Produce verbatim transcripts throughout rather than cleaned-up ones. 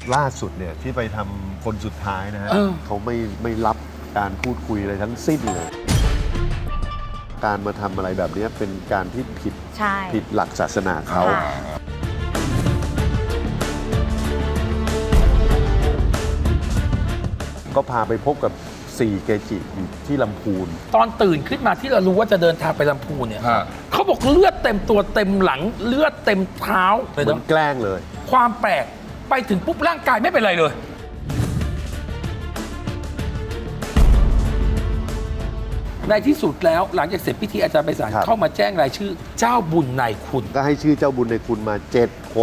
ล่าสุดเนี่ยที่ไปทำคนสุดท้ายนะฮะเออเขาไม่ไม่รับการพูดคุยอะไรทั้งสิ้นเลย การมาทำอะไรแบบนี้เป็นการที่ผิดใช่ผิดหลักศาสนาเขาค่ะก็พาไปพบกับสี่เกจิอยู่ที่ลำพูนตอนตื่นขึ้นมาที่เรารู้ว่าจะเดินทางไปลำพูนเนี่ยฮะเขาบอกเลือดเต็มตัวเต็มหลังเลือดเต็มเท้าเลยเหมือนะนแกล้งเลยความแปลกไปถึงปุ๊บร่างกายไม่เป็นไรเลย ในที่สุดแล้วหลังจากเสร็จพิธีอาจารย์ไพศาลครับเข้ามาแจ้งรายชื่อเจ้าบุญนายคุณก็ให้ชื่อเจ้าบุญในคุณมาเจ็ดคน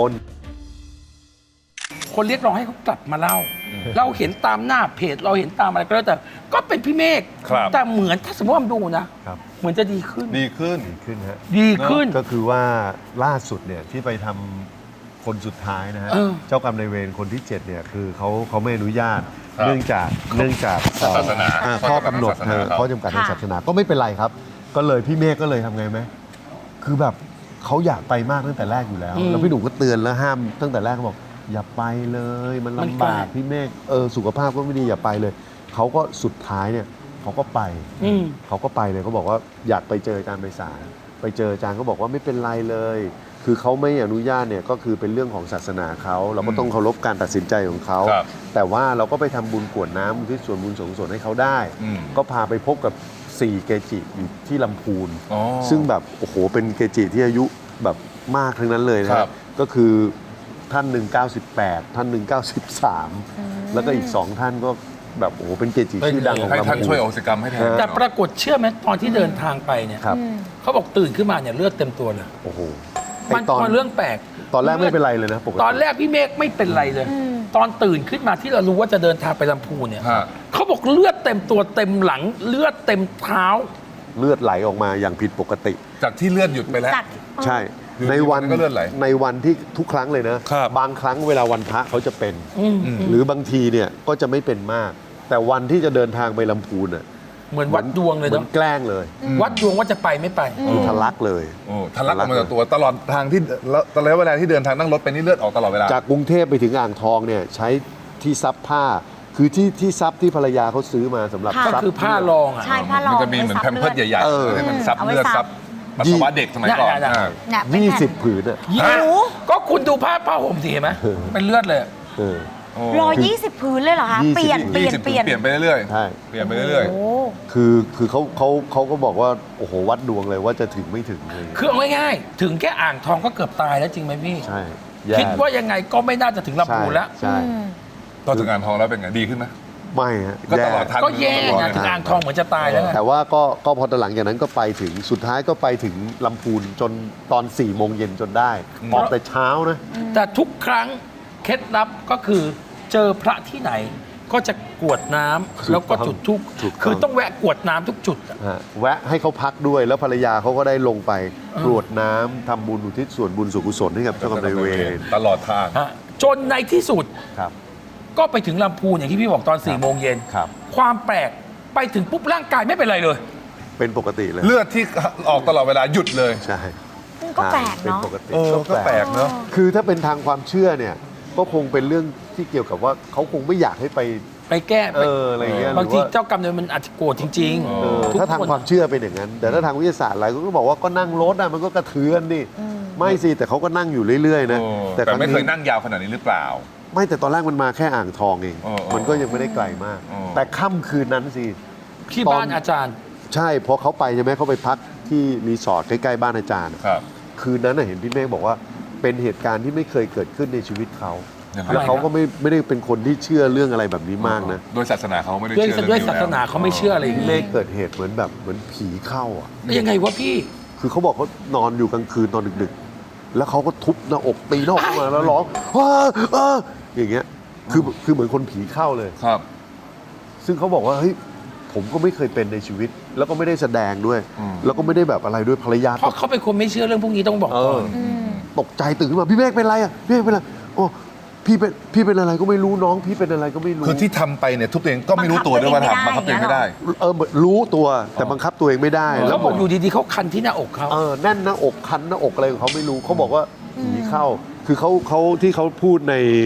คนเรียกร้องให้เขากลับมาเล่า เราเห็นตามหน้าเพจเราเห็นตามอะไรก็แล้วแต่ก็เป็นพี่เมฆครับแต่เหมือนถ้าสมมติว่ามันดูนะครับ เหมือนจะดีขึ้นดีขึ้นดีขึ้นฮะดีขึ้นก็คือว่าล่าสุดเนี่ยที่ไปทำคนสุดท้ายนะฮะเออเจ้ากรรมนายเวรคนที่เจ็ดเนี่ยคือเขาเขาไม่อนุญาตครับเนื่องจากเนื่องจากศาสนาอ่ข้อกำหนดข้อกำหนดศาสนาเออข้อจำกัดทางค่ะศาสนาก็ไม่เป็นไรครับ ก็เลยพี่เมฆก็เลยทำไงไหมคือแบบเขาอยากไปมากตั้งแต่แรกอยู่แล้วอืมแล้วพี่หนุ่มก็เตือนแล้วห้ามตั้งแต่แรกเขาบอกอย่าไปเลย มันมันลำไกลบากพี่เมฆเออสุขภาพก็ไม่ดีอย่าไปเลยเขาก็สุดท้ายเนี่ยเขาก็ไปอืมเขาก็ไปเลยเขาบอกว่าอยากไปเจออาจารย์ไพศาลไปเจออาจารย์ก็บอกว่าไม่เป็นไรเลย คือเขาไม่อนุญาตเนี่ยก็คือเป็นเรื่องของศาสนาเขาเราก็ต้องเคารพการตัดสินใจของเขาครับแต่ว่าเราก็ไปทำบุญกรวดน้ำอุที่ส่วนบุญสงสนให้เขาได้อืมก็พาไปพบกับสี่เกจิอยู่ที่ลำพูนอ๋อซึ่งแบบโอ้โหเป็นเกจิที่อายุแบบมากทั้งนั้นเลยนะครับ ก็คือท่านหนึ่งเก้าสิบแปดท่านหนึ่งเก้าสิบสามแล้วก็อีกสองท่านก็แบบโอ้โหเป็นเกจิชื่อดังของให้ลำพูนท่านช่วยโอสิกรรมให้แทนแต่ปรากฏเชื่อไหมตอนที่เดินทางไปเนี่ยครับเขาบอกตื่นขึ้นมาเนี่ยเลือดเต็มตัวเลยโอ้โหมันไอ้ตอนเป็นเรื่องแปลกตอนแรกไม่เป็นไรเลยนะปกติตอนแรกพี่เมฆไม่เป็นไรเลย ตอนตื่นขึ้นมาที่เรารู้ว่าจะเดินทางไปลำพูนเนี่ยฮะเขาบอกเลือดเต็มตัวเต็มหลังเลือดเต็มเท้าเลือดไหลออกมาอย่างผิดปกติจากที่เลื่อนหยุดไปแล้วจากใช่คือในวันมันก็เลือดไหลในวันที่ทุกครั้งเลยนะครับ บางครั้งเวลาวันพระเขาจะเป็นอืมหรือบางทีเนี่ยก็จะไม่เป็นมาก แต่วันที่จะเดินทางไปลำพูนอ่ะเหมือนวัดดวงเลยเหมือเนาะนแกล้งเลยวัดดวงว่าจะไปไม่ไปคือทะลักเลยโอ้ทะลักออกมาจากตัวตลอดทางที่ตลอดเวลาที่เดินทางนั่งรถไปนี่เลือดออกตลอดเวลาจากกรุงเทพไปถึงอ่างทองเนี่ยใช้ที่ซับผ้า คือที่ที่ซับที่ภรรยาเขาซื้อมาสำหรับค่ะก็ซับคือผ้ารองอ่ะใช่ผ้ารองมันจะมีเหมือนแพมเพิร์ดใหญ่เออๆให้มันซับเอาไว้เลือดซัซับบปัสสาวะเด็กสมัยก่อนได้ได้อ่าเนี่ยเป็นยี่แผ่นสิบผืนอ่ะยี่โอ้โหก็คุณดูผ้าผ้าห่มสิเห็นไหมเป็นเลือดเลยเออโอ้ร้อยยี่สิบพื้นเลยเหรอคะยี่สิบเปลี่ยน เปลี่ยนยี่สิบเปลี่ยนเปลี่ยนไปเรื่อยใช่ๆเปลี่ยนไปเรื่อยโอ้คือคือเขาเขาเขาก็บอกว่าโอ้โหวัดดวงเลยว่าจะถึงไม่ถึงเลยคือเอาง่ายๆถึงแค่อ่างทองก็เกือบตายแล้วจริงไหมพี่ใช่แย่คิดว่ายังไงก็ไม่น่าจะถึงลำพูนแล้วใช่อืมๆตอนถึงงานทองแล้วเป็นไงดีขึ้นไหมไม่ฮะก็แย่ตลอดทางก็แย่ตลอดไงเลยถึงอ่างทองเหมือนจะตายแล้วไงแต่ว่าก็ก็พอตอนหลังจากนั้นก็ไปถึงสุดท้ายก็ไปถึงลำพูนจนตอน4ี่โมงเย็นจนได้ออกแต่เช้านะแต่ทุกครั้งเคล็ดลับก็คือเจอพระที่ไหน ก็จะกรวดน้ำแล้วก็จุดทุกถูกต้องคือต้องแวะกรวดน้ำทุกจุดอะฮะแวะให้เขาพักด้วยแล้วภรรยาเขาก็ได้ลงไปกรวดน้ำทำบุญอุทิศส่วนบุญส่วนกุศลให้กับเจ้ากรรมนายเวรตลอดทางฮะจนในที่สุดครับก็ไปถึงลำพูนอย่างที่พี่บอกตอน4ี่โมงเย็นครับความแปลกไปถึงปุ๊บร่างกายไม่เป็นไรเลยเป็นปกติเลยเลือดที่ออกตลอดเวลาหยุดเลยใช่ก็แปลกเป็นเนาะปกติเออก็แปลกเนอะคือถ้าเป็นทางความเชื่อเนี่ยก็คงเป็นเรื่องที่เกี่ยวกับว่าเขาคงไม่อยากให้ไปไปแก้เอออะไรเงี้ยบางทีหรือว่าเจ้ากรรมนายเวรมันอาจจะโกรธจริงเออทุกถ้าทางคนความเชื่อเป็นอย่างนั้น แต่ถ้าทางวิทยาศาสตร์อะไรก็บอกว่าก็นั่งรถอะมันก็กระเทือนดิไม่สิแต่เขาก็นั่งอยู่เรื่อยๆนะโอ้แต่แต่ครั้งไม่เคยนี้นั่งยาวขนาดนี้หรือเปล่าไม่แต่ตอนแรกมันมาแค่อ่างทองเองอ๋ออ๋อมันก็ยังไม่ได้ไกลมากอ๋อแต่ค่ำคืนนั้นสิที่บ้านอาจารย์ใช่พอเขาไปใช่ไหมเขาไปพักที่รีสอร์ทใกล้ๆบ้านอาจารย์ครับคืนนั้นน่ะเห็นพี่เมฆบอกว่าเป็นเหตุการณ์ที่ไม่เคยเกิดขึ้นในชีวิตเขายังไงแล้วเขาก็ไม่ไม่ได้เป็นคนที่เชื่อเรื่องอะไรแบบนี้มากนะโดยศาสนาเขาไม่ได้ด้วยเชื่อเรื่องด้วยนี้ศาสนาเขาไม่เชื่ออะไรอย่างพี่นี้เมฆเกิดเหตุเหมือนแบบเหมือนผีเข้าอ่ะยังไงวะพี่คือเขาบอกเขานอนอยู่กลางคืนตอนดึกๆ แล้วเขาก็ทุบหน้าอกตีหน้าอกขึ้นมาแล้วร้องอ้าอ้าอย่างเงี้ยคือคือเหมือนคนผีเข้าเลยครับซึ่งเขาบอกว่าเฮ้ยผมก็ไม่เคยเป็นในชีวิต แล้วก็ไม่ได้แสดงด้วยอืมแล้วก็ไม่ได้แบบอะไรด้วยภรรยาเพราะเขาเป็นคนไม่เชื่อเรื่องพวกนี้ต้องบอกเอก่ออนมตกใจตื่นขึ้นมาพี่เมฆเป็นอะไรอ่ะพี่เมฆเป็นอะไรโอ้พี่เป็นพี่เป็นอะไรก็ไม่รู้น้องพี่เป็นอะไรก็ไม่รู้คือที่ทำไปเนี่ยทุบตัวเองก็ไม่รู้ตัวด้วยว่าทำบังคับตัวเองไม่ได้เออรู้ตัวแต่บังคับตัวเองไม่ได้เขาแล้วบอกอยู่ดีๆเขาคันที่หน้าอกเขาเออแน่นหน้าอกคันหน้าอกอะไรของเขาไม่รู้เขาบอกว่าผีเข้า คือเขาเขาที่เขาพูดใน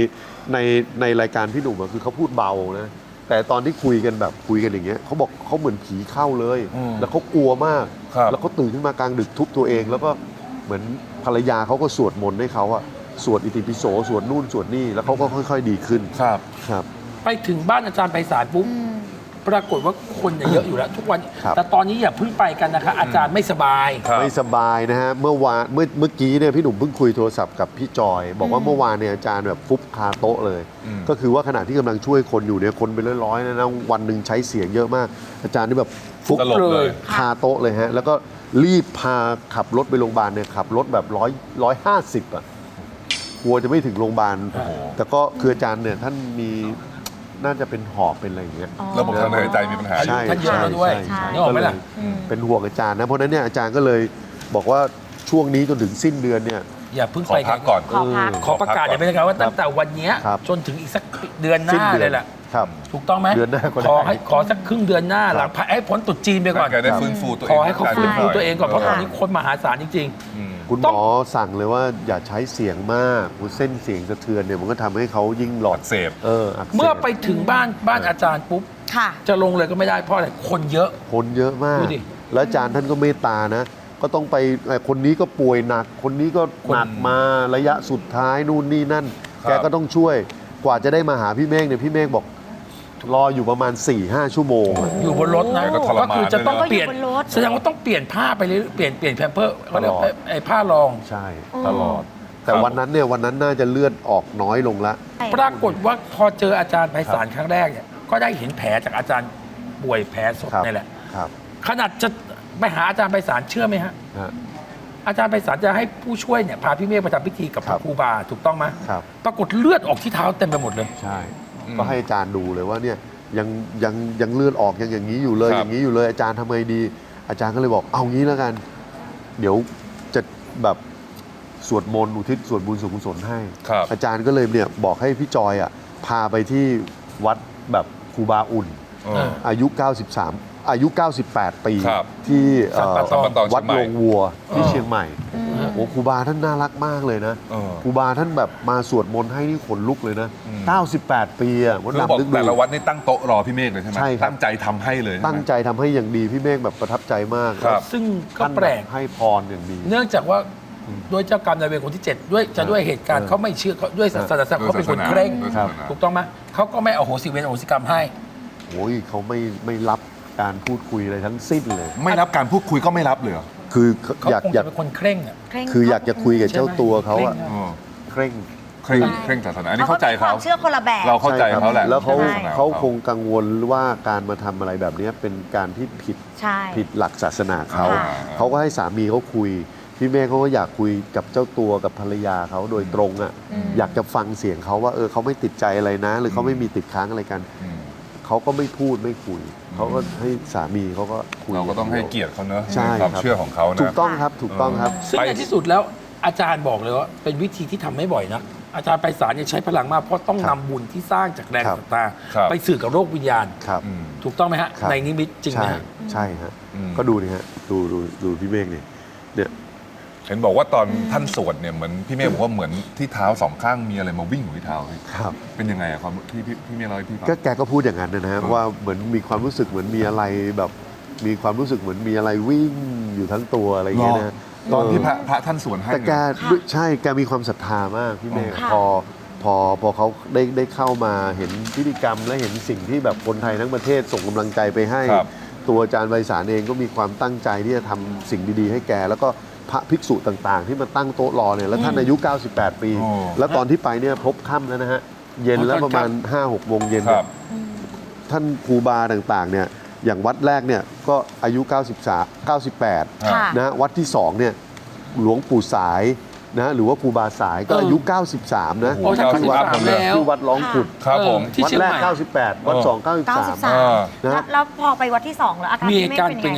ในในรายการพี่หนุ่มอะคือเขาพูดเบานะแต่ตอนที่คุยกันแบบคุยกันอย่างเงี้ยเขาบอกเขาเหมือนผีเข้าเลยอืมแล้วเขากลัวมากครับแล้วเขาตื่นขึ้นมากลางดึกทุบตัวเอง แล้วก็เหมือนภรรยาเขาก็สวดมนต์ให้เขาอะสวดอิติปิโสสวดนู่นสวดนี่แล้วเขาก็ค่อย ๆ ดีขึ้นครับครับไปถึงบ้านอาจารย์ไพศาลปุ๊บปรากฏว่าคนเนี่ยเยอะอยู่แล้วทุกวันครับแต่ตอนนี้อย่าเพิ่งไปกันนะคะ อาจารย์ไม่สบายครับไม่สบายนะฮะเมื่อวานเมื่อเมื่อกี้เนี่ยพี่หนุ่มเพิ่งคุยโทรศัพท์กับพี่จอย บอกว่าเมื่อวานเนี่ยอาจารย์แบบฟุบคาโต๊ะเลยอืมก็คือว่าขณะที่กำลังช่วยคนอยู่เนี่ยคนเป็นร้อยๆนะนะวันหนึ่งใช้เสียงเยอะมาก อาจารย์นี่แบบฟุบสลบเลยคาโต๊ะเลยฮะแล้วก็รีบพาขับรถไปโรงพยาบาลเนี่ยขับรถแบบร้อยร้อยห้าสิบอ่ะกลัวจะไม่ถึงโรงพยาบาลโอ้โหแต่ก็คืออาจารย์เนี่ยท่านมีน่าจะเป็นหอบเป็นอะไรอย่างเงี้ยอ๋อระบบทางเดินหายใจมีปัญหาอยู่ใช่ท่านเยอะแล้วด้วยใช่นึกออกไหมล่ะก็เลยเป็นห่วงอาจารย์นะ เพราะฉะนั้นเนี่ยอาจารย์ก็เลยบอกว่าช่วงนี้จนถึงสิ้นเดือนเนี่ยอย่าเพิ่งขอไปพักก่อนขอพักขอประกาศอย่างเป็นทางการว่าตั้งแต่วันเนี้ยครับจนถึงอีกสักเดือนหสิ้นน้าเดืเลยแหละครับถูกต้องไหมเดือนหน้าก็ได้ขอให้ขอสักครึ่งเดือนหน้าหลังให้พ้นตรุษจีนไปก่อนแกได้ฟื้นฟูตัวเองขอให้เขาฟื้นฟูตัวเองก่อนเพราะตอนนี้เคนมหาศาลจริงอืมคุณหมอสั่งเลยว่าอย่าใช้เสียงมากเส้นเสียงสะเทือนเนี่ยมันก็ทำให้เขายิ่งหลอดอักเสบเอออักเสบๆ เมื่อไปถึงบ้านบ้านอาจารย์ปุ๊บค่ะจะลงเลยก็ไม่ได้เพราะอะไรคนเยอะคนเยอะมากดูดิแล้วอาจารย์ท่านก็เมตตานะ ก็ต้องไปเอ่อคนนี้ก็ป่วยหนัก คนนี้ก็หนักมาระยะสุดท้ายนู่นนี่นั่นครับแกก็ต้องช่วยกว่าจะได้มาหาพี่เมฆเนี่ยพี่เมฆบอกรออยู่ประมาณ 4-5หชั่วโมงอะอยู่บนรถนะก็ทรมานคือจะต้องด้วยนะเปลี่ยนก็อยู่บนรถแสดงว่าต้องเปลี่ยนผ้าไปเรื่อยๆเปลี่ยนเปลี่ยนแพมเพิร์สเขาเรียกตลอดไอ้ไอ้ผ้ารองใช่อ๋อตลอด แต่วันนั้นเนี่ยวันนั้นน่าจะเลือดออกน้อยลงละปรากฏว่าพอเจออาจารย์ไพศาลครั้งแรกเนี่ยก็ได้เห็นแผลจากอาจารย์ป่วยแผลสดครับนี่แหละครับขนาดจะไปหาอาจารย์ไพศาลเชื่อไหมฮะฮะอาจารย์ไพศาลจะให้ผู้ช่วยเนี่ยพาพี่เมฆไปทำพิธีกับพครัระบครูบาถูกต้องไหมครับปรากฏเลือดออกที่เท้าเต็มไปหมดเลยใช่อืมก็ให้อาจารย์ดูเลยว่าเนี่ยยังยังยังเลือดออกยังอย่างนี้อยู่เลยครับอย่างนี้อยู่เลยอาจารย์ทำไงดี อาจารย์ก็เลยบอกเอางี้แล้วกัน เดี๋ยวจะแบบสวดมนต์อุทิศส่วนบุญส่วนกุศลให้ครับอาจารย์ก็เลยเนี่ยบอกให้พี่จอยอ่ะพาไปที่วัดแบบครูบาอุ่นเอออายุ เก้าสิบสาม อายุ เก้าสิบแปด ปีครับที่เอ่อสัมปตองวัดเชียงใหม่โรงวัวที่เออเชียงใหม่โอ้ครูบาท่านน่ารักมากเลยนะเออครูบาท่านแบบมาสวดมนต์ให้นี่ขนลุกเลยนะอืมเก้าสิบแปด ปีอ่ะมดคือบอกดำนึกดูแต่ละวัดนี่ตั้งโต๊ะรอพี่เมฆเลยใช่ไหมใช่ครับตั้งใจทำให้เลยใช่ไหมตั้งใจทำให้อย่างดีพี่เมฆแบบประทับใจมากครับซึ่งก็ท่านแปลกให้พรอย่างดีเนื่องจากว่าด้วยเจ้ากรรมนายเวรคนที่เจ็ดด้วยจะด้วยเหตุการณ์เออเขาไม่เชื่อเขาด้วยศาสนาเขาเป็นคนเคร่งด้วยครัศาบสนาถูกต้องไหมเขาก็ไม่เอาโหสิเวรอโหสิกรรมให้โอ้ยเขาไม่ไม่รับการพูดคุยอะไรทั้งสิ้นเลยไม่รับการพูดคุยก็ไม่รับเลยเหรอคือเขาอยากคงอยาจะกเป็นคนเคร่งอ่ะเคร่งคืออยากจะคุยกับเจ้าตัวเขาอะใช่ไหมเออเคร่งเคร่งเคร่งศาสนาอันนี้เข้าใจเขาเขาก็มีความเชื่อคนละแบบเราเข้าใจเขาแหละแล้วเขาใช่เขาคงกังวลว่าการมาทำอะไรแบบนี้เป็นการที่ผิดใช่ผิดหลักศาสนาเขาค่ะเขาก็ให้สามีเขาคุย พี่เมฆเขาก็อยากคุยกับเจ้าตัวกับภรรยาเขาโดยตรงอ่ะอืมอยากจะฟังเสียงเขาว่าเออเขาไม่ติดใจอะไรนะ หรือเขาไม่มีติดค้างอะไรกันอืมเขาก็ไม่พูดไม่คุย เขาก็ให้สามีเขาก็คุยเราก็ต้องให้เกียรติเขาเนอะใช่ในความครับเชื่อของเขานะถูกต้องครับถูกต้องครับซึ่งไปในที่สุดแล้วอาจารย์บอกเลยว่าเป็นวิธีที่ทำไม่บ่อยนะอาจารย์ไพศาลเนี่ยใช้พลังมากเพราะต้องครันำบบุญที่สร้างจากแรงครับศรัทธาครับไปสื่อกับโลกวิญญาณครับอืมถูกต้องไหมฮะครับในนิมิตจริงไหมใช่ฮะใช่ฮะอืมก็ดูนี่ฮะดูดูดูพี่เมฆนี่เนี่ยเห็นบอกว่าตอนท่านสวดเนี่ยเหมือนพี่เมฆบอกว่าเหมือนที่เท้าสองข้างมีอะไรมาวิ่งอยู่ที่เท้าพี่ครับเป็นยังไงอะความที่พี่พี่เมฆเล่าให้พี่ฟังก็แกก็พูดอย่างนั้นนะฮะอืมว่าเหมือนมีความรู้สึกเหมือนมีอะไรแบบมีความรู้สึกเหมือนมีอะไรวิ่งอยู่ทั้งตัวอะไรอย่างเงี้ยนะตอนที่พระเพระท่านสวดให้แต่แกเนี่ยด้วยใช่แกมีความศรัทธามากพี่เมฆค่ะพอพอพอเขาได้ได้เข้ามาเห็นพิธีกรรมและเห็นสิ่งที่แบบคนไทยทั้งประเทศส่งกำลังใจไปให้ครับตัวอาจารย์ไพศาลเองก็มีความตั้งใจที่จะทำสิ่งดีๆ ให้แก แล้วก็พระภิกษุต่างๆ ที่มาตั้งโต๊ะรอเนี่ยแล้วท่านอายุ เก้าสิบแปด ปีโอ้แล้วตอนที่ไปเนี่ยพบค่ำแล้วนะฮะเย็นแล้วประมาณ ห้าหกโมงเย็นครับท่านครูบาต่างๆเนี่ยอย่างวัดแรกเนี่ยก็อายุ เก้าสิบสาม เก้าสิบแปดค่ะนะฮะวัดที่สองเนี่ยหลวงปู่สายนะหรือว่าครูบาสายก็เออออายุ เก้าสิบสาม นะโอ้ท่านที่วัดเก้าสิบสามแล้วที่วัดร้องขุดครับผมที่วัดเชียงแรใหกม่เก้าสิบแปด วัดเออสองเก้าสิบเก้าสาสิมบสามอ่าแล้วนะแล้วพอไปวัดที่สองแล้วอาการมีพี่เมฆอาการเป็นเป็นยังไงไงฮะคะ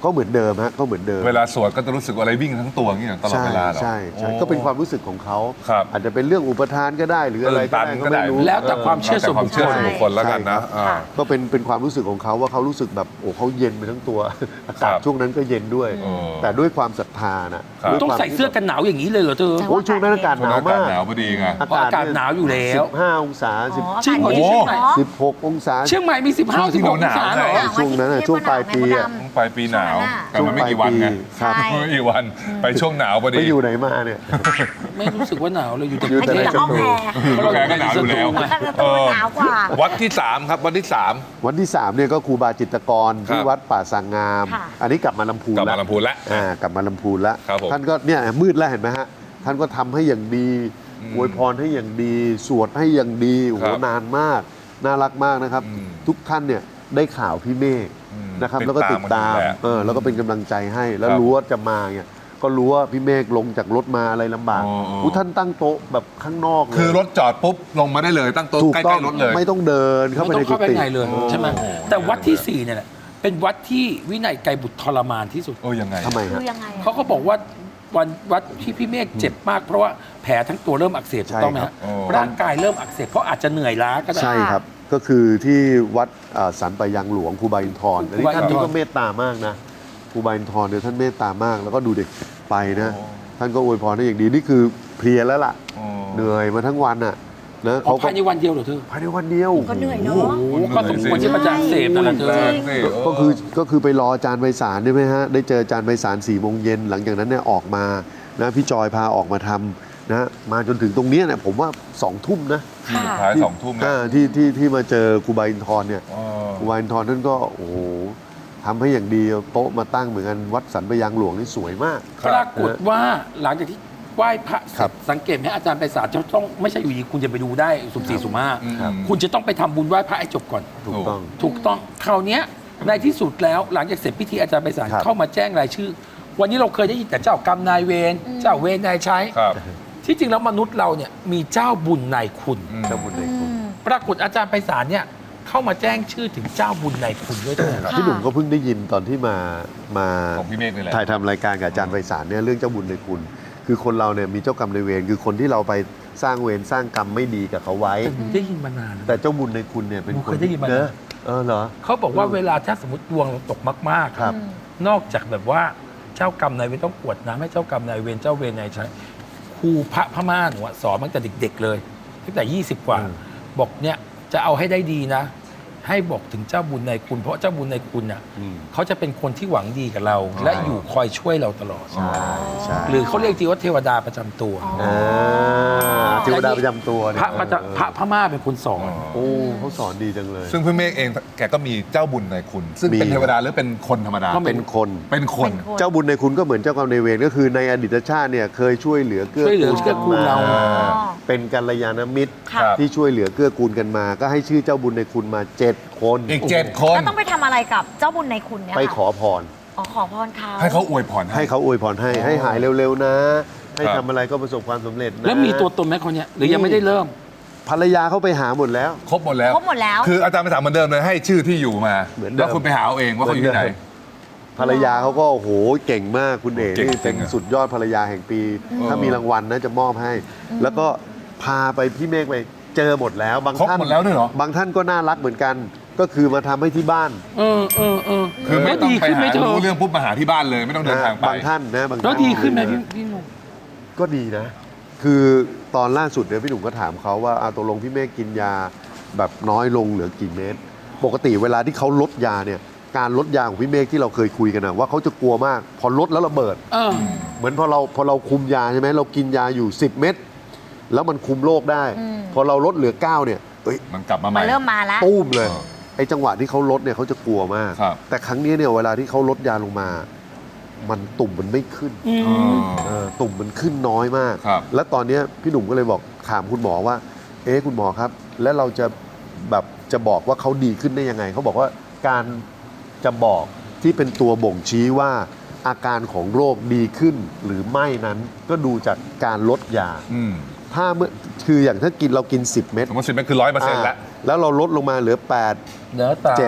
ก็เหมือนเดิมฮะก็เหมือนเดิมเวลาสวดก็จะรู้สึกว่าอะไรวิ่งทั้งตัวอย่างเงี้ยตลอดใช่เวลาเหรอใช่ใช่โอ้ก็เป็นความรู้สึกของเขาครับอาจจะเป็นเรื่องอุปทานก็ได้หรืออะไรก็ได้ตื่นตันก็ไม่รู้ก็ได้แล้วแต่ความเชื่อแต่ความเชื่อส่วนบุคคลแล้วกันนะใช่อ่าก็เป็นเป็นความรู้สึกของเขาว่าเขารู้สึกแบบโอ้เขาเย็นไปทั้งตัว อากาศครับช่วงนั้นก็เย็นด้วยอืมแต่ด้วยความศรัทธานะครับ ด้วยต้องความใส่เสื้อกันหนาวอย่างนี้เลยเหรอเธอใช่โอ้ยช่วงนั้นอากาศช่วหงนานั้วนอากาศมากหนาวพอดีไงเพราะอากาศหนาวอยู่แล้วสิบห้าองศาสิบอ๋อจริงเหรออากาศดีเชียงใหม่เนอะสิบหกองศาเชียงใหม่มีสิบห้าช่วงที่สิบหกองหนาวๆศาเหรอไงช่วงนั้นน่ะช่วงปลายปีอะต้องปลายปีหนาว แต่มันไม่กี่วันไงครับใช่ไม่กี่วันไปช่วงหนาวพอดีไปอยู่ไหนมาเนี่ยไม่รู้สึกว่าหนาวเลยอยู่แต่อยู่อันแต่นี้ในแต่ห้องแอร์เพราะเราก็หนาวอยู่แล้วมันจะตัวหนาวกว่าวัดที่สามครับวัดที่สามวันที่สามเนี่ยก็ครูบาจิตรกรที่ครับวัดป่าสางงามค่ะอันนี้กลับมาลำพูนกลับแล้มาว ลำพูนแล้วอ่ากลับมาลำพูนแล้วครับผมท่านก็เนี่ยมืดแล้วเห็นไหมฮะท่านก็ทำให้อย่างดีอืมอวยพรให้อย่างดี สวดให้อย่างดีโอ้โหครับนานมากน่ารักมากนะครับอืมทุกท่านเนี่ยได้ข่าวพี่เมฆอืมนะครับติดแล้วก็ติดตามตามมันอยู่แหละเออแล้วก็เป็นกำลังใจให้ แล้วครับรู้ว่าจะมาเนี่ยก็รู้ว่าพี่เมฆลงจากรถมาอะไรลำบากอ๋ออ๋ออู้ท่านตั้งโต๊ะแบบข้างนอกเลยคือรถจอดปุ๊บลงมาได้เลยตั้งโต๊ะถูกใกต้อล้งๆรถเลยไม่ต้องเดินเข้าไปไม่ในต้องกุเข้าไปฏิไงเลยโอ้ใช่ไหมโอ้แต่วัดที่สี่เนี่ยแหละเป็นวัดที่วินัยไกรบุตรทรมานที่สุดเออยังไงทำไมคืฮะอยังไงอะเขาก็บอกว่าวันวัดที่พี่เมฆเจ็บมากเพราะว่าแผลทั้งตัวเริ่มอักเสบถูกต้องไหมใช่ครัฮะบโอ้ร่างกายเริ่มอักเสบเพราะอาจจะเหนื่อยล้าก็ได้ใช่ครับ ก็คือที่วัดอ่าสันปะยังหลวงครูบาอินทร์อันนี้ครูบาอินทร์ท่านนี้ก็เมตตามากนะครูบาอินทร์เนี่ยท่านเมตตามาก แล้วก็ดูเด็กไปนะโอ้ท่านก็อวยพรให้อย่างดีนี่คือเพลียแล้วล่ะอ๋อเหนื่อยมาทั้งวันอ่ะนะอ๋อเขาก็ภายในวันเดียวเหรอเธอภายในวันเดียวก็เหนื่อยเนอะโอ้โหก็สมควรที่ประจานเสพนั่นแหละเธอแรงสิเก็คือก็คือไปรออาจารย์ไพศาลได้ไหมฮะได้เจออาจารย์ไพศาลสี่โมงเย็นหลังจากนั้นเนี่ยออกมานะพี่จอยพาออกมาทำนะมาจนถึงตรงเนี้ยเนี่ยผมว่าสองทุ่มนะค่ะสุดท้ายสองทุ่มแล้วอ่าที่ที่ที่มาเจอครูบาอินทร์เนี่ยอ๋อครูบาอินทร์ท่านก็โอ้โหทำให้อย่างดีเอาโต๊ะมาตั้งเหมือนกันวัดสันปะยังหลวงนี่สวยมากครับปรากฏว่าหลังจากที่ไหว้พระเสครัร็จบสังเกตไหมอาจารย์ไปศาลจะต้องไม่ใช่อยู่ดีคุณจะไปดูได้สุ่มสี่สุ่มห้าครับคุณจะต้องไปทำบุญไหว้พระให้จบก่อนถูกต้องถูกต้องคราวเนี้ยในที่สุดแล้วหลังจากเสร็จพิธีอาจารย์ไปศาลครับเข้ามาแจ้งรายชื่อ วันนี้เราเคยได้ยินแต่เจ้ากรรมนายเวรเจ้าเวรนายใช้ครับที่จริงแล้วมนุษย์เราเนี่ยมีเจ้าบุญนายคุณอืมเจ้าบุญในคุณปรากฏอาจารย์ไปศาลเนี่ยเข้ามาแจ้งชื่อถึงเจ้าบุญนายคุณด้วยเถอะค่ะพี่หนุ่มก็เพิ่งได้ยินตอนที่มามาของพี่เมฆนี่แหละถ่ายทำรายการกับอาจารย์ไพศาลเนี่ยเรื่องเจ้าบุญในคุณ คือคนเราเนี่ยมีเจ้ากรรมในายเวรคือคนที่เราไปสร้างเวรสร้างกรรมไม่ดีกับเขาไว้แต่หนูได้ยินมานานแต่เจ้าบุญในคุณเนี่ยเป็นหนูคเคน ยได้ยินมาเนอะเออเหรอเขาบอกว่าเวลาถ้าสมมติดวงเราตกมากๆครับนอกจากแบบว่าเจ้ากรรมนายเวรต้องกรวดน้ำให้เจ้ากรรมนายเวรเจ้าเวรนายใช้ครูพระพม่าหนูอะสอนมาตั้งแต่เด็ก ๆ เลยตั้งแต่ยี่สิบกว่าอืมบอกเนี่ยจะเอาให้ได้ดีนะ ให้บอกถึงเจ้าบุญนายคุณ เพราะเจ้าบุญนายคุณอ่ะอืมเขาจะเป็นคนที่หวังดีกับเรา และอยู่คอยช่วยเราตลอดใช่ใช่หรือเขาเรียกทีว่าเทวดาประจำตัวอ่าเทวดาประจำตัวพเนี่ยระประจำพระพม่าเป็นคนสอนโอ้เขาสอนดีจังเลยซึ่งพี่เมฆเองแกก็มีเจ้าบุญในคุณ ซึ่งมีเป็นเทวดาหรือเป็นคนธรรมดาก็เป็นคนเป็นคนเป็นคนเจ้าบุญในคุณก็เหมือนเจ้ากรรมในายเวรก็คือในอดีตชาติเนี่ยเคยช่วยเหลือเกื้อช่วยเหลือกูลเกื้อกูลเรามาอ๋อเป็นกัลยาณมิตรค่ะที่ช่วยเหลือเกื้อกูลกันมา ก็ให้ชื่อเจ้าบุญในคุณมาเจ็ดคนอีกเจ็ดคนแล้วต้องไปทำอะไรกับเจ้าบุญในคุณเนี่ยไปค่ะขอพรอ๋อขอพรเขาให้เขาอวยพรให้เขาอวยพรให้ให้หายเร็วๆนะ ให้ครับทำอะไรก็ประสบความสำเร็จนะแล้วมีตัวตนไหมคนเนี้ยหรือยังไม่ได้เริ่มภรรยาเขาไปหาหมดแล้วครบหมดแล้วครบหมดแล้วคืออาจารย์ไปถามเหมือนเดิมเลยให้ชื่อที่อยู่มาเหมือนเดิมแล้วคุณไปหาเอาเองว่าเขาอยู่ที่ไหนภรรยาเขาก็โอ้โหเก่งมากคุณเอ๋เก่งนี่เป็นจริงอะสุดยอดภรรยาแห่งปีอืมถ้ามีรางวัลนะจะมอบให้ แล้วก็พาไปพี่เมฆไปเจอหมดแล้ว บางครบท่านหมดแล้วด้วยเหรอบางท่านก็น่ารักเหมือนกัน ก็คือมาทำให้ที่บ้านเออเออเออคือไม่แล้วต้องดีไปขึ้นไหมหาเธอรู้เรื่องปุ๊บมาหาที่บ้านเลยไม่ต้องเดินทางไปบางท่านนะบางท่านแล้วดีขึ้นไหมพี่พี่หนุ่มก็ดีนะ คือตอนล่าสุดเนี่ยพี่หนุ่มก็ถามเขาว่าอาตกลงพี่เมฆกินยาแบบน้อยลงเหลือกี่เม็ดปกติเวลาที่เขาลดยาเนี่ยการลดยาของพี่เมฆที่เราเคยคุยกันนะว่าเขาจะกลัวมาก พอลดแล้วระเบิดเออเหมือนพอเราพอเราคุมยาใช่ไหมเรากินยาอยู่ สิบ เม็ดแล้วมันคุมโรคได้อืมพอเราลดเหลือ เก้า เนี่ยเอ้ยมันกลับมาใหมัม่นเริ่มมาแล้วตุ้มเลยเออไอ้จังหวะที่เขาลดเนี่ยเขาจะกลัวมากครับแต่ครั้งนี้เนี่ยเวลาที่เขาลดยาลงมา มันตุ่มมันไม่ขึ้นอืมอ๋อเออตุ่มมันขึ้นน้อยมากครับแล้วตอนเนี้ยพี่หนุ่มก็เลยบอกถามคุณหมอว่า เอ๊ะคุณหมอครับ แล้วเราจะแบบจะบอกว่าเขาดีขึ้นได้ยังไงเขาบอกว่าการจะบอกที่เป็นตัวบ่งชี้ว่าอาการของโรคดีขึ้นหรือไม่นั้น ก็ดูจากการลดยาอืมถ้าเมื่อคืออย่างถ้ากินเรากิน สิบ เม็ดสมมติสิบเม็ดคือร้อยเปอร์เซ็นต์แล้วแล้วเราลดลงมาเหลือ แปดเดี๋ยวสาเจ็ดม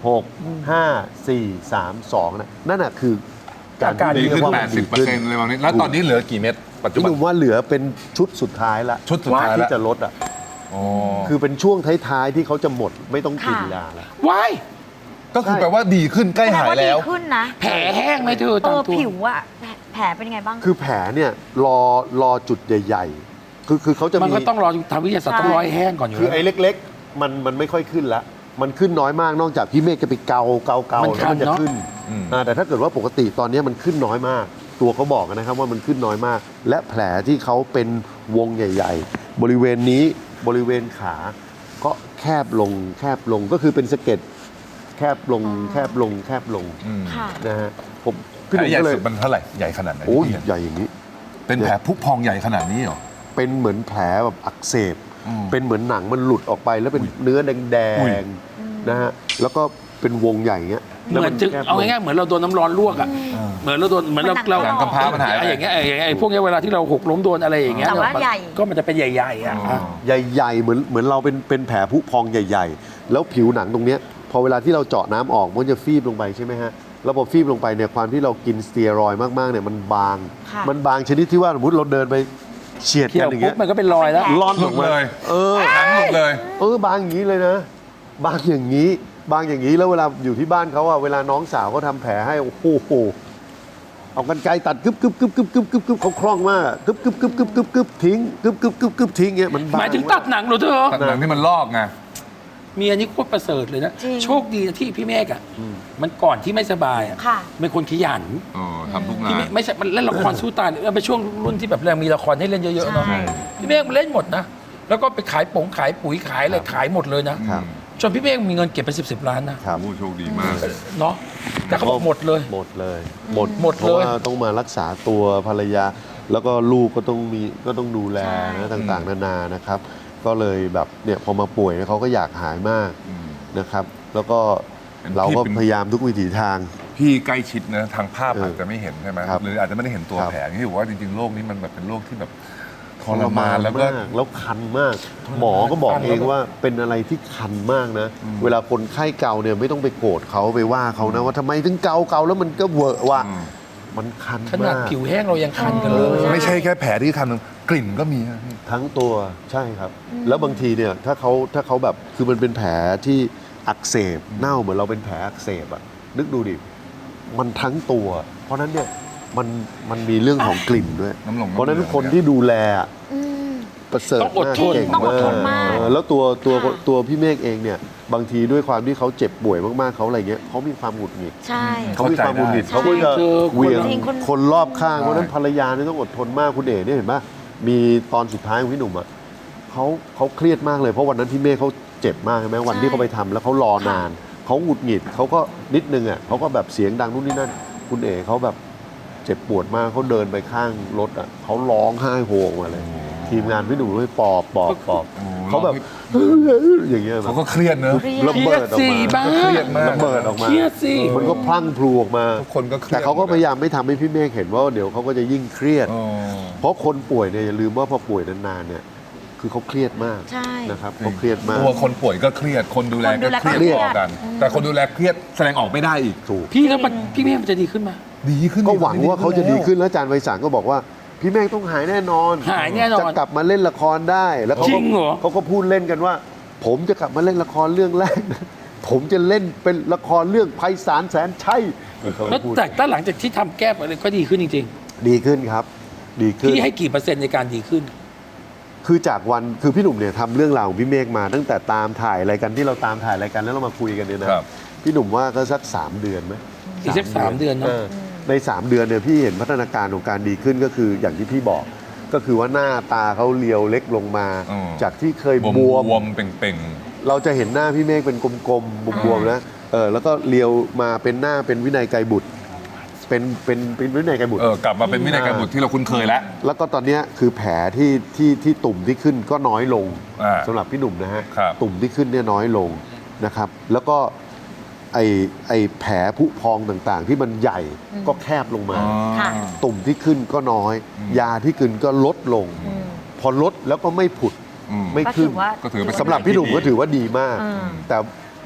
หก ห้า สี่ สาม สองนะนั่นน่ะคือการการที่ดีขึ้นเรียกว่าแปมัดนสิดีบเปอร์ขึ้นเซ็นต์อะไรประมาณนี้แล้วตอนนี้เหลือกี่เม็ดปัจจุพี่บัหนนุ่มว่าเหลือเป็นชุดสุดท้ายละชุดสุดท้ายที่แล้วจะลดอ่ะอ๋อคือเป็นช่วงท้ายๆที่เขาจะหมดไม่ต้องกินค่ะยาแล้วว้ายก็คือแปลว่าดีขึ้นใกล้แสดงหายว่าดีแล้วขึ้นนะแผลแห้งไหมเธอเอตามอตัวผิวอะแผลแผลเป็นยังไงบ้างคือแผลเนี่ยรอรอจุดใหญ่ๆ คือคือเขาจะมันมีก็ต้องรอทางวิทยาศาสตร์ต้องรอให้แห้งก่อนอยู่คือแล้วไอ้เล็กๆ มันมันไม่ค่อยขึ้นละมันขึ้นน้อยมากนอกจากพี่เมฆจะไปเกาเกาเกามันแล้วมันจะคันเนอะขึ้นอืมอ่าแต่ถ้าเกิดว่าปกติตอนนี้มันขึ้นน้อยมาก ตัวเขาบอกนะครับว่ามันขึ้นน้อยมาก และแผลที่เขาเป็นวงใหญ่ ๆ บริเวณนี้บริเวณขาก็แคบลงแคบลงก็คือเป็นสะเก็ดแคบลงแคบลงแคบลงอืมค่ะนะฮะผมแผพี่หลนุ่มใหญ่ก็เลยสุดมันเท่าไหร่ใหญ่ขนาดไหนโอ้ยพี่เห็นใหญ่อย่างนี้เป็นแผลพุพองใหญ่ขนาดนี้เหรอเป็นเหมือนแผลแบบอักเสบอืมเป็นเหมือนหนังมันหลุดออกไปแล้วเป็นเนื้อแดอุ้ยงๆนะฮะ แล้วก็เป็นวงใหญ่เงี้ยเหมือนจึงแคบลเอาง่ายๆเหมือนเราโดนน้ำร้อนลวกอ่ะเหมือนเราโดนเหมือนเรามันหนักเราหนักกำพร้ามันหายไปไอ้อย่างเงี้ยไอ้อย่างเงี้ยไอ้พวกเนี้ยเวลาที่เราหกล้มโดนอะไรอย่างเงี้ยแต่ว่ามันใหญ่ก็มันจะเป็นใหญ่ๆอ่ะอ๋อใหญ่ๆเหมือนเหมือนเราเป็นเป็นแผลผุพองใหญ่ ๆ แล้วผิวหนังตรงเนี้ยพอเวลาที่เราเจาะน้ำออกมันจะฟีบลงไปใช่ไหมฮะ แล้วพอฟีบลงไปเนี่ยความที่เรากินสเตียรอยด์มากๆเนี่ยมันบางค่ะมันบางชนิดที่ว่าสมมติเราเดินไปเฉียดเขี่กัยนวอย่างปุ๊เงี้บยมันก็เป็นรอยแล้วล่อนหอลุอดกมาเลยเออหนังหลุดเลยเออบางอย่างนี้เลยนะ บางอย่างนี้ บางอย่างนี้แล้วเวลาอยู่ที่บ้านเขาอะเวลาน้องสาวเขาทำแผลให้โอ้โหเอากันไกรตัดกึบกึบกึบกึบกึบกึบกึบเขาคล่องมากอะกึบกึบกึบกึบกึบกึบทิ้งกึบกึบกึบกึบทิ้งเงี้ยมันบางหมายถึงตัดหนังเหรอเธอตัดหนังที่มันลอกไงมีอันนี้โคตรประเสริฐเลยนะจริงโชคดีนะที่พี่เมฆอ่ะมันก่อนที่ไม่สบายอ่ะค่ะเป็นคนขยันอ๋อทำทุกงาพี่เมนฆไม่ใช่มันเล่นละครสู้ตายเลยเป็นช่วงรุ่นที่แบบแรงมีละครให้เล่นเยอะๆเนาะใช่พี่เมฆมันเล่นหมดนะแล้วก็ไปขายป๋งขายปุ๋ยขายอะไรขายหมดเลยนะครับจนพี่เมฆมีเงินเก็บไปสิบสิบล้านนะครับโอ้โชคดีมากเนาะแต่เขาบอกหมดเลยหมดเลย หมดหมดเพราะเลยว่าต้องมารักษาตัวภรรยา แล้วก็ลูกก็ต้องมีก็ต้องดูแลใช่นะต่างๆ นานานะครับ ก็เลยแบบเนี่ยพอมาป่วยเนี่ยเขาก็อยากหายมากอืมนะครับ แล้วก็เป็นเราก็พี่เป็นพยายามทุกวิถีทางพี่ใกล้ชิดนะทางภาพเออออาจจะไม่เห็นใช่ไหมครับหรืออาจจะไม่ได้เห็นตัวครับแผลที่บอกว่าจริงๆโรคนี้มันแบบเป็นโรคที่แบบทรมานแล้วก็มากแล้วคันมาก หมอก็บอกเองว่าเป็นอะไรที่คันมากนะ เวลาคนไข้เกาเนี่ยไม่ต้องไปโกรธเขาไปว่าเขานะว่าทำไมถึงเกาเกาแล้วมันก็เวอะว่ะอืมมันคันขนาดมากผิวแห้งเรายังคันกันเลยไม่ใช่แค่แผลที่คันนึงกลิ่นก็มีนะพี่ทั้งตัวใช่ครับ แล้วบางทีเนี่ยถ้าเขาถ้าเขาแบบคือมันเป็นแผลที่อักเสบเน่าเหมือนเราเป็นแผลอักเสบอะนึกดูดิมันทั้งตัว เพราะฉะนั้นเนี่ยมันมันมีเรื่องของกลิ่นด้วยน้ำลงเพราะฉะนั้นน้ำเหลืองคนที่ดูแลอะอืมประเสริฐต้องอดมากทนเก่งต้องอดทนมากเออแล้วตัวตัวค่ะตัวพี่เมฆเองเนี่ยบางทีด้วยความที่เขาเจ็บป่วยมากๆเขาอะไรเงี้ยเขามีความหงุดหงิดใช่เขามีความหงุดหงิดใช่เขาก็จะคือเหวี่ยงจริงคนคนรอบข้างเพราะฉะนั้นภรรยาเนี่ยต้องอดทนมากคุณเอ๋เนี่ยเห็นปะมีตอนสุดท้ายของพี่หนุ่มอ่ะเขาเขาเครียดมากเลยเพราะวันนั้นพี่เมฆเขาเจ็บมากใช่ไหมวันที่เขาไปทำแล้วเขารอนานเขาหงุดหงิดเขาก็นิดนึงอ่ะเขาก็แบบเสียงดังนู่นนี่นั่น คุณเอ๋เขาแบบเจ็บปวดมากเขาเดินไปข้างรถอ่ะเขาร้องไห้โฮออกมาเลย ทีมงานพี่หนุ่มเลยปอบปอบปอบโอ้เขาแบบอย่างเงี้ยเขาก็เครียดเนอะระเครีเบิยดดออกสิมาบ้าเครียดมากระเบิดออกมาเครียดสิมันก็พลั่งพลูออกมาทุกคนก็เครียดแต่เขาก็พยายามไม่ทำให้พี่เมฆเห็นว่าเดี๋ยวเขาก็จะยิ่งเครียดอ๋อเพราะคนป่วยเนี่ยอย่าลืมว่าพอป่วยนานๆเนี่ยคือเขาเครียดมากใช่นะครับเขาเครียดมากตัวคนป่วยก็เครียด คนดูแลคนดูก็แลเครียดก็เครียดพอกัน แต่คนดูแลเครียดแสดงออกไม่ได้อีกถูกพี่แล้วมันพี่เมฆมันจะดีขึ้นไหมดีขึ้นก็หวังว่าเขาจะดีขึ้นแล้วอาจารย์ไวสารก็บอกว่าพี่เมฆต้องหายแน่นอนหายแน่นอนจะกลับมาเล่นละครได้แล้วเขาจริก็งเหรอเขาก็พูดเล่นกันว่า ผมจะกลับมาเล่นละครเรื่องแรกนะผมจะเล่นเป็นละครเรื่องไพศาลแสนชัยเขาแล้วพูดแต่ถ้าหลังจากที่ทำแก้อะไรก็ดีขึ้นจริงดีขึ้นครับ ดีๆขึ้นพี่ให้กี่เปอร์เซ็นต์ในการดีขึ้นคือจากวันคือพี่หนุ่มเนี่ยทำเรื่องราวของพี่เมฆมาตั้งแต่ตามถ่ายอะไรกันที่เราตามถ่ายอะไรกันแล้วเรามาคุยกันเนี่ยนะครับ พี่หนุ่มว่าก็สักสามเดือนไหมอีกสักสามเดือนเนอะในสามเดือนเนี่ยพี่เห็นพัฒนาการของการดีขึ้นก็คืออย่างที่พี่บอก ก็คือว่าหน้าตาเขาเรียวเล็กลงมาอืมจากที่เคยบวมบวมบวมเป่งเราจะเห็นหน้าพี่เมฆเป็นกลมๆบวมๆนะเออแล้วก็เรียวมาเป็นหน้าเป็นวินัยไกรบุตร เป็นเป็นเป็นวินัยไกรบุตๆรเออกลับมาเป็นวินัยการบุตรที่เราคุ้นเคยแล้วแล้วก็ตอนเนี้ยคือแผลที่ที่ที่ตุ่มที่ขึ้นก็น้อยลงอ่าสำหรับพี่หนุ่มนะฮะครับตุ่มที่ขึ้นเนี่ยน้อยลงนะครับ แล้วก็ไอไอแผลผุพองต่างๆ ที่มันใหญ่ก็แคบลงมาค่ะตุ่มที่ขึ้นก็น้อยอืมยาที่กินก็ลดลงอืมพอลดแล้วก็ไม่ผุดอืมไม่ก็ขึ้ถืนอว่าก็ถือเป็นสำหรับพี่หนุ่มก็ถือว่าดีมากอืมแต่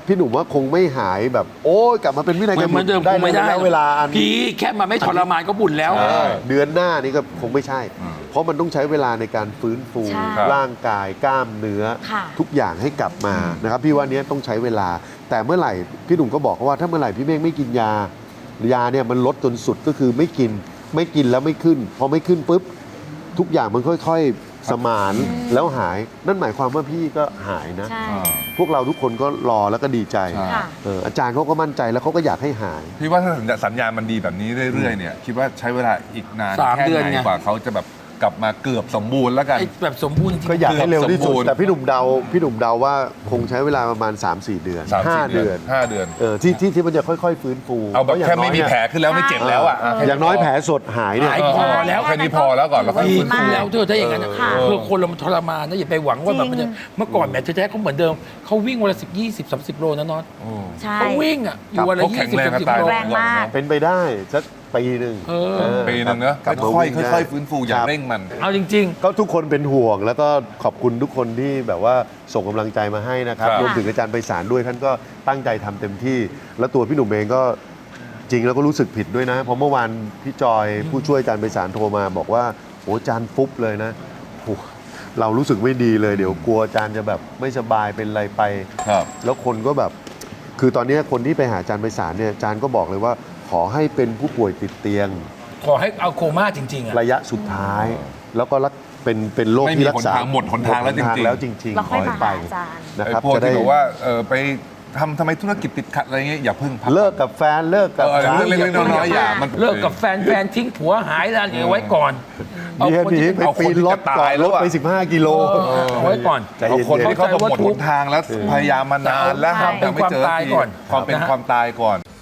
พี่หนุ่มว่าคงไม่หายแบบโอ้ยกลับมาเป็นวินัยเหมือนเหมือนเดิมได้คงไม่ได้แล้วเวลาอันพี่แค่มาไม่ทรมานก็บุญแล้วเออเดือนหน้านี่ก็คงไม่ใช่อืมเพราะมันต้องใช้เวลาในการฟื้นฟูใช่ร่างกายกล้ามเนื้อค่ะทุกอย่างให้กลับมานะครับพี่ว่าเนี้ยต้องใช้เวลา แต่เมื่อไหร่พี่หนุ่มก็บอกว่าถ้าเมื่อไหร่พี่เมฆไม่กินยายาเนี่ยมันลดจนสุดก็คือไม่กินไม่กินแล้วไม่ขึ้นพอไม่ขึ้นปุ๊บทุกอย่างมันค่อยๆสมานแล้วหายนั่นหมายความว่าพี่ก็หายนะใช่อ่าพวกเราทุกคนก็รอแล้วก็ดีใจใช่ค่ะเอออาจารย์เขาก็มั่นใจแล้วเขาก็อยากให้หายพี่ว่าถ้าสัญญาณมันดีแบบนี้เรื่อยๆเนี่ยคิดว่าใช้เวลาอีกนานสามแค่เดือนไหนไงกว่าเขาจะแบบกลับมาเกือบสมบูรณ์แล้วกันไอ้แบบสมบูรณ์จริงก็อยากให้เร็วที่สุดเกือบสมบูรณ์แต่พี่หนุ่มเดาพี่หนุ่มเดาว่าคงใช้เวลาประมาณ สามสี่ เดือนสามห้าสี่เดือนห้าเดือนเออที่ที่ที่มันจะค่อยๆ ฟื้นฟูเอาแบบพระย่งแค่ไม่มีน้ยแผลขึ้นแล้วไม่เจ็บแล้วอ่ะะอย่างน้อยแผลสดหายเนี่ยหายพอแล้วแค่นี้พอแล้วก่อนแล้วค่อยดีฟื้นขึ้ฟูนแล้วเธอถ้าอย่างนั้นนะค่ะเพื่อคนเรามันทรมานนะอย่าไปหวังว่าแบบมันจะจริงเมื่อก่อนแหมแท้ๆเขาเหมือนเดิมเขาวิ่งวันละสิบยี่สิบสามสิบโลนะน็อตโอ้ใช่เขาวิ่งอ่ะอยู่วันละเขายี่แข็งสิบแรงสามสิบตายโลแรงมากเป็นไปได้สักปีหนึ่งเออเออปีหนึงเนอะกลับมาค่อยวิ่งๆได้ค่อยๆฟื้นฟูอย่าครับเร่งมันเอาจริงก็ทุกคนเป็นห่วงแล้วก็ขอบคุณทุกคนที่แบบว่าส่งกำลังใจมาให้นะครับครับรวมถึงอาจารย์ไปศาลด้วยท่านก็ตั้งใจทำเต็มที่ แล้วตัวพี่หนุ่มเองก็จริงแล้วก็รู้สึกผิดด้วยนะเพราะเมื่อวานพี่จอยผู้ช่วยอาจารย์ไปศาลโทรมาบอกว่าโอ้อาจารย์ฟุบเลยนะโอ้เรารู้สึกไม่ดีเลยเดี๋ยวกลัวอาจารย์จะแบบไม่สบายเป็นอะไรไปครับแล้วคนก็แบบ คือตอนนี้คนที่ไปหาอาจารย์ไปศาลเนี่ยอาจารย์ก็บอกเลยว่า ขอให้เป็นผู้ป่วยติดเตียงๆ ขอให้เอาโคม่าจริงๆอ่ะระยะสุดท้าย แล้วก็รักเป็นเป็นโรคไม่มีที่รักษาหนทางหมดหนทางแล้วจริงๆหมดหนแล้วจริงแล้วๆค่อยให้มาไปหาอาจารย์นะไอ้ครับพวกจะได้ที่บอกว่าเออไปทำทำไมธุรกิจติดขัดอะไรเงี้ยอย่าเพิ่งพักเลิกกับแฟนเลิกกับเออสามีเรื่องเล็กๆน้อยๆอย่ามันเลิกกับแฟนแฟนทิ้งผัวหายแล้วเอาไว้ก่อนเอาเมียคนหนีที่ไปเป็นปีนรถเอาคนที่จะก่อตายนแล้รวถอะไปสิบห้ากิโลเอาไว้ก่อนใจเอาเย็นๆคนที่เขาจะหมดหนทางแล้วพยายามมานานแล้วแต่แต่ไม่เจอเอาความตายทีก่อนความเป็นนะฮะความตายก่อน